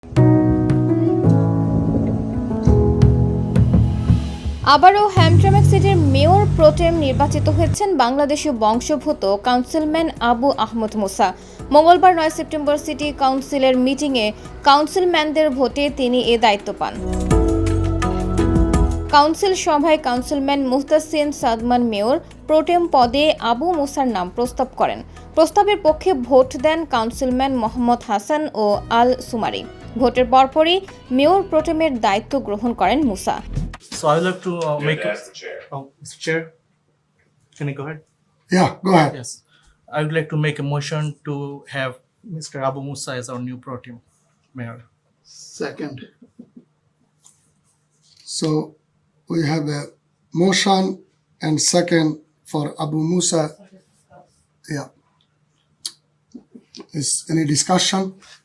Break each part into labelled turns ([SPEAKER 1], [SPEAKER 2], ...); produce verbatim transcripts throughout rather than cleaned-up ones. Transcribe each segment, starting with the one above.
[SPEAKER 1] আবারও হ্যামট্রাম্যাক সিটির মেয়র প্রোটেম নির্বাচিত হয়েছেন বাংলাদেশীয় বংশোদ্ভূত কাউন্সিলম্যান আবু আহমদ মুসা। মঙ্গলবার নয় সেপ্টেম্বর সিটি কাউন্সিলের মিটিংয়ে কাউন্সিলম্যানদের ভোটে তিনি এ দায়িত্ব পান। কাউন্সিল সভায় councilman Muhtasin Sadman mayor pro tem পদে আবু মুসার নাম প্রস্তাব করেন। প্রস্তাবের পক্ষে ভোট দেন কাউন্সিলম্যান মোহাম্মদ হাসান ও আল সুমারি। ভোটের পরপরই মেয়র প্রোটেমের দায়িত্ব গ্রহণ করেন মুসা।
[SPEAKER 2] So I would like to uh, make
[SPEAKER 3] As the chair.
[SPEAKER 2] Oh, Mister Chair, can I go ahead?
[SPEAKER 4] Yeah, go ahead.
[SPEAKER 2] Yes, I would like to make a motion to have Mister Abu Musa as our new pro tem mayor.
[SPEAKER 4] Second. So we have a motion and second for Abu Musa. Yeah. Is any discussion?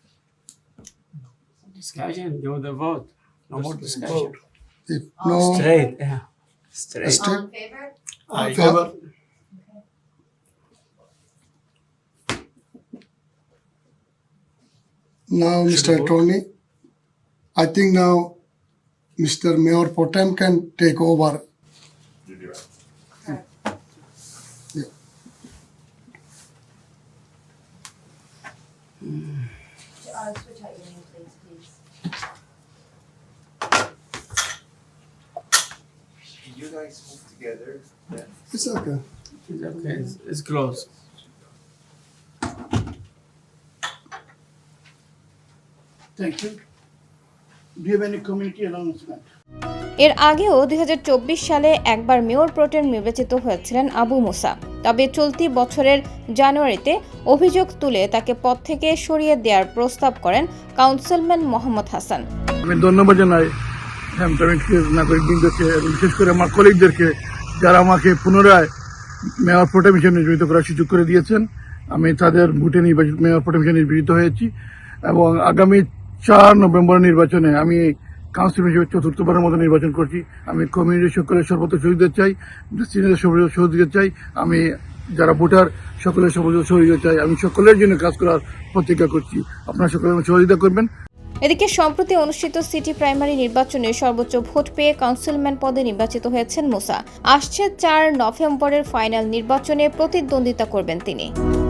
[SPEAKER 5] Discussion, do the vote. No more discussion.
[SPEAKER 4] If no,
[SPEAKER 5] Straight, yeah. Straight.
[SPEAKER 4] straight.
[SPEAKER 2] Aye.
[SPEAKER 4] Favor. Now, Mister
[SPEAKER 2] we vote?
[SPEAKER 4] Attorney, I think now Mister Mayor Potem can take over.
[SPEAKER 3] You do it.
[SPEAKER 4] Yeah.
[SPEAKER 6] Uh, switch out your nameplates, please.
[SPEAKER 3] Can you guys move together? Then
[SPEAKER 4] It's okay.
[SPEAKER 5] It's okay. It's, it's close.
[SPEAKER 7] Thank you. Do you have any community announcement?
[SPEAKER 1] এর আগেও দুই হাজার চব্বিশ সালে একবার mayor প্রোটেম নির্বাচিত হয়েছিলেন আবু মুসা। তবে চলতি বছরের জানুয়ারিতে অভিযোগ তুলে তাকে পদ থেকে সরিয়ে দেওয়ার প্রস্তাব করেন কাউন্সিলম্যান মোহাম্মদ হাসান।
[SPEAKER 8] আমি ধন্যবাদ জানাই হ্যামট্রাম্যাকের নাগরিকবৃন্দকে এবং বিশেষ করে আমার কলিগদেরকে যারা আমাকে পুনরায় মেয়র প্রোটেম হিসেবে নির্বাচিত করার সুযোগ করে দিয়েছেন। আমি তাদের ভোটে নির্বাচিত মেয়র প্রোটেম হিসেবে নির্বাচিত হয়েছি এবং আগামী চার নভেম্বর নির্বাচনে আমি কাউন্সিল হিসেবে চতুর্থবারের মতো নির্বাচন করছি। আমি কমিউনিটি সকলের সর্বত্র সহযোগিতা চাই, সিনিয়রদের সহযোগিতা চাই, আমি যারা ভোটার সকলের সহযোগিতা চাই। আমি সকলের জন্য কাজ করার প্রতিজ্ঞা করছি। আপনারা সকলে সহযোগিতা করবেন।
[SPEAKER 1] এদিকে সম্প্রতি অনুষ্ঠিত সিটি প্রাইমারি নির্বাচনে সর্বোচ্চ ভোট পেয়ে কাউন্সিলম্যান পদে নির্বাচিত হয়েছেন মুসা। আসছে চার নভেম্বরের ফাইনাল নির্বাচনে প্রতিদ্বন্দ্বিতা করবেন তিনি।